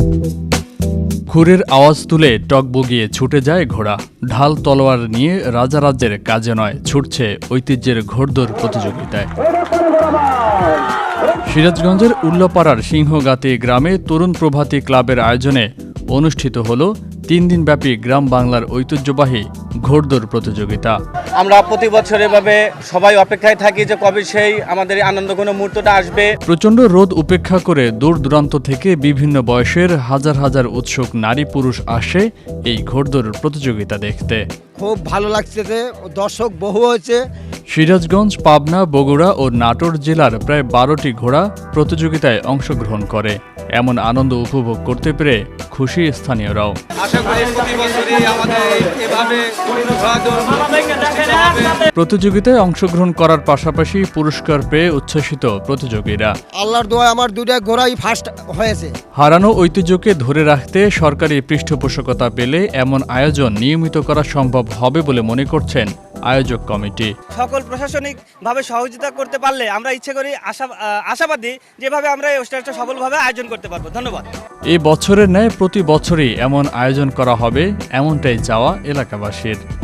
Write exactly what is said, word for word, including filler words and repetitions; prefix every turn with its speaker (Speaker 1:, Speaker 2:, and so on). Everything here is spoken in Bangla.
Speaker 1: খুরের আওয়াজ তুলে টগবগিয়ে ছুটে যায় ঘোড়া। ঢাল তলোয়ার নিয়ে রাজারাজ্যের কাজে নয়, ছুটছে ঐতিহ্যের ঘোড়দৌড় প্রতিযোগিতায়। সিরাজগঞ্জের উল্লাপাড়ার সিংহগাতি গ্রামে তরুণ প্রভাতী ক্লাবের আয়োজনে অনুষ্ঠিত হল তিন দিনব্যাপী গ্রাম বাংলার ঐতিহ্যবাহী ঘোড়দৌড় প্রতিযোগিতা।
Speaker 2: আমরা প্রতি বছর এভাবে সবাই অপেক্ষায় থাকি যে কবে সেই আমাদের আনন্দঘন মুহূর্তটা আসবে।
Speaker 1: প্রচণ্ড রোদ উপেক্ষা করে দূর দূরান্ত থেকে বিভিন্ন বয়সের হাজার হাজার উৎসুক নারী পুরুষ আসে এই ঘোড়দৌড় প্রতিযোগিতা দেখতে।
Speaker 3: খুব ভালো লাগছে, দর্শক বহু হয়েছে।
Speaker 1: সিরাজগঞ্জ, পাবনা, বগুড়া ও নাটোর জেলার প্রায় বারোটি ঘোড়া প্রতিযোগিতায় অংশগ্রহণ করে। এমন আনন্দ উপভোগ করতে পেরে খুশি স্থানীয়রাও। প্রতিযোগিতায় অংশগ্রহণ করার পাশাপাশি পুরস্কার পেয়ে উচ্ছ্বসিত প্রতিযোগীরা।
Speaker 3: আল্লাহর দোয়ায় আমার দুইটা ঘোড়াই ফার্স্ট হয়েছে।
Speaker 1: হারানো ঐতিহ্যকে ধরে রাখতে সরকারি পৃষ্ঠপোষকতা পেলে এমন আয়োজন নিয়মিত করা সম্ভব হবে বলে মনে করছেন আয়োজক কমিটি।
Speaker 4: সকল প্রশাসনিক ভাবে সহযোগিতা করতে পারলে আমরা ইচ্ছে করি আশা আশাবাদী যেভাবে আমরা এই অনুষ্ঠানটা সফলভাবে আয়োজন করতে পারবো। ধন্যবাদ।
Speaker 1: এই বছরের ন্যায় প্রতি বছরই এমন আয়োজন করা হবে, এমনটাই চাওয়া এলাকাবাসীর।